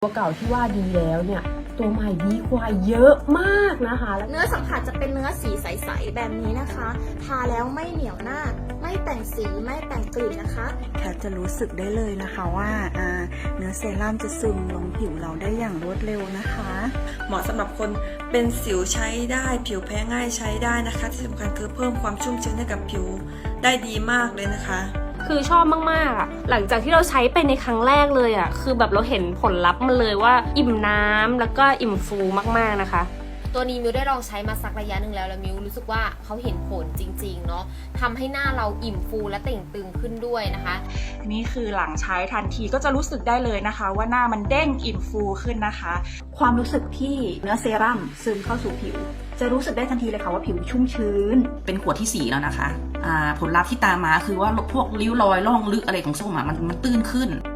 ตัวเก่าที่ว่าดีแล้วเนี่ยตัวใหม่ดีกว่าเยอะมากนะคะแล้วเนื้อสัมผัสจะเป็นเนื้อสีใสๆแบบนี้นะคะทาแล้วไม่เหนียวหน้าไม่แต่งสีไม่แต่งกลิ่นนะคะแทบจะรู้สึกได้เลยนะคะว่าเนื้อเซรั่มจะซึมลงผิวเราได้อย่างรวดเร็วนะคะเหมาะสำหรับคนเป็นสิวใช้ได้ผิวแพ้ง่ายใช้ได้นะคะที่สำคัญคือเพิ่มความชุ่มชื้นให้กับผิวได้ดีมากเลยนะคะคือชอบมากๆอ่ะหลังจากที่เราใช้ไปในครั้งแรกเลยอ่ะคือแบบเราเห็นผลลัพธ์มันเลยว่าอิ่มน้ำแล้วก็อิ่มฟูมากๆนะคะตัวนี้มิวได้ลองใช้มาสักระยะหนึ่งแล้วมิวรู้สึกว่าเขาเห็นผลจริงๆเนาะทำให้หน้าเราอิ่มฟูและเต่งตึงขึ้นด้วยนะคะนี่คือหลังใช้ทันทีก็จะรู้สึกได้เลยนะคะว่าหน้ามันเด้งอิ่มฟูขึ้นนะคะความรู้สึกที่เนื้อเซรั่มซึมเข้าสู่ผิวจะรู้สึกได้ทันทีเลยค่ะว่าผิวชุ่มชื้นเป็นขวดที่4แล้วนะคะผลลัพธ์ที่ตามมาคือว่าพวกริ้วรอยร่องลึกอะไรของส้มมันตื้นขึ้น